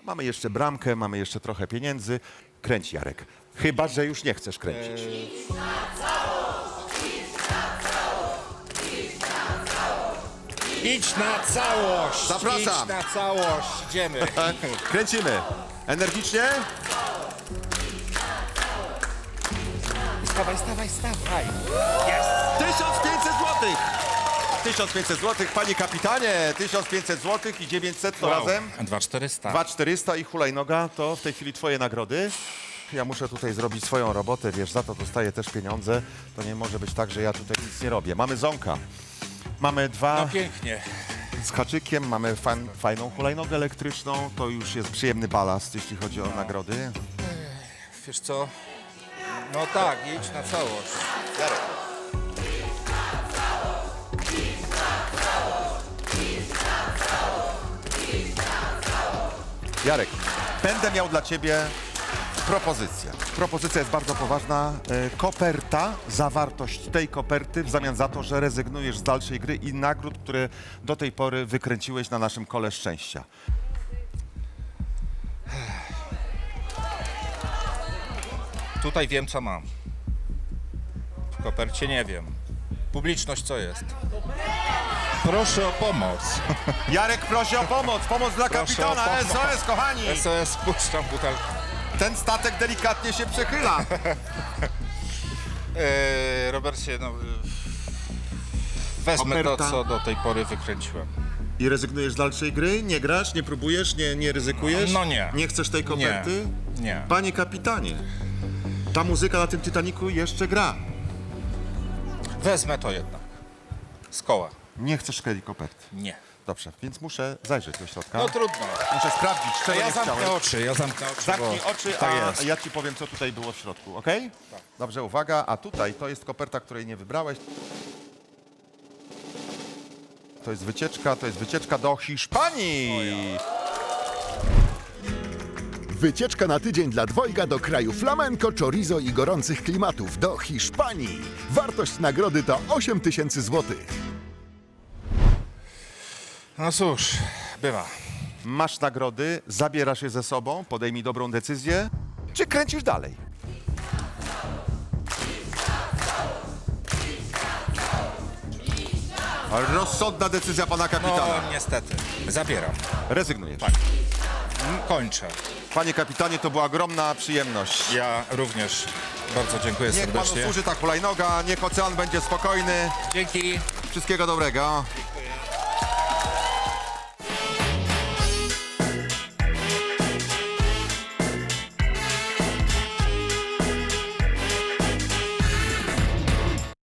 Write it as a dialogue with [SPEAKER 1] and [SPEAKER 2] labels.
[SPEAKER 1] Mamy jeszcze bramkę, mamy jeszcze trochę pieniędzy. Kręć, Jarek. Chyba że już nie chcesz kręcić.
[SPEAKER 2] Idź na całość!
[SPEAKER 1] Zapraszam.
[SPEAKER 2] Idź na całość! Idziemy.
[SPEAKER 1] Kręcimy. Energicznie?
[SPEAKER 2] Stawaj, stawaj, stawaj! Jest!
[SPEAKER 1] 1500 zł! 1500 zł, panie kapitanie, 1500 zł i 900 to razem.
[SPEAKER 2] 2400.
[SPEAKER 1] 2400 i hulajnoga to w tej chwili twoje nagrody. Ja muszę tutaj zrobić swoją robotę, wiesz, za to dostaję też pieniądze. To nie może być tak, że ja tutaj nic nie robię. Mamy zonka. Mamy dwa
[SPEAKER 2] No pięknie.
[SPEAKER 1] z haczykiem, mamy fajną hulajnogę elektryczną. To już jest przyjemny balast, jeśli chodzi o nagrody.
[SPEAKER 2] Wiesz co? No tak, idź na całość.
[SPEAKER 1] Jarek, będę miał dla ciebie propozycję. Propozycja jest bardzo poważna. Koperta, zawartość tej koperty w zamian za to, że rezygnujesz z dalszej gry i nagród, które do tej pory wykręciłeś na naszym kole szczęścia.
[SPEAKER 2] Tutaj wiem, co mam. W kopercie nie wiem. Publiczność co jest? Proszę o pomoc.
[SPEAKER 1] Jarek prosi o pomoc, pomoc dla
[SPEAKER 2] Proszę
[SPEAKER 1] kapitana,
[SPEAKER 2] o pomoc.
[SPEAKER 1] SOS, kochani!
[SPEAKER 2] SOS, puszczam butelkę.
[SPEAKER 1] Ten statek delikatnie się przechyla.
[SPEAKER 2] Robercie, no... Wezmę
[SPEAKER 1] Koperta.
[SPEAKER 2] to, co do tej pory wykręciłem.
[SPEAKER 1] I rezygnujesz z dalszej gry? Nie grasz, nie próbujesz, nie ryzykujesz?
[SPEAKER 2] No nie.
[SPEAKER 1] Nie chcesz tej koperty?
[SPEAKER 2] Nie.
[SPEAKER 1] Panie kapitanie, ta muzyka na tym Titanicu jeszcze gra.
[SPEAKER 2] Wezmę to jednak. Z koła.
[SPEAKER 1] Nie chcesz tej koperty.
[SPEAKER 2] Nie.
[SPEAKER 1] Dobrze, więc muszę zajrzeć do środka.
[SPEAKER 2] No trudno.
[SPEAKER 1] Muszę sprawdzić,
[SPEAKER 2] To
[SPEAKER 1] czego
[SPEAKER 2] ja
[SPEAKER 1] nie
[SPEAKER 2] zamknę
[SPEAKER 1] chciałem.
[SPEAKER 2] oczy,
[SPEAKER 1] Zamknij
[SPEAKER 2] bo
[SPEAKER 1] oczy,
[SPEAKER 2] tak
[SPEAKER 1] a
[SPEAKER 2] jest.
[SPEAKER 1] ja ci powiem, co tutaj było w środku, ok? Dobrze, uwaga, a tutaj to jest koperta, której nie wybrałeś. To jest wycieczka do Hiszpanii.
[SPEAKER 3] Wycieczka na tydzień dla dwojga do kraju flamenco, chorizo i gorących klimatów do Hiszpanii. Wartość nagrody to 8000 złotych.
[SPEAKER 2] No cóż, bywa.
[SPEAKER 1] Masz nagrody, zabierasz je ze sobą, podejmij dobrą decyzję, czy kręcisz dalej? Rozsądna decyzja pana kapitana.
[SPEAKER 2] No niestety, zabieram.
[SPEAKER 1] Rezygnujesz.
[SPEAKER 2] Kończę.
[SPEAKER 1] Panie kapitanie, to była ogromna przyjemność.
[SPEAKER 2] Ja również bardzo dziękuję
[SPEAKER 1] Niech panu
[SPEAKER 2] serdecznie.
[SPEAKER 1] służy ta hulajnoga, niech ocean będzie spokojny.
[SPEAKER 2] Dzięki.
[SPEAKER 1] Wszystkiego dobrego.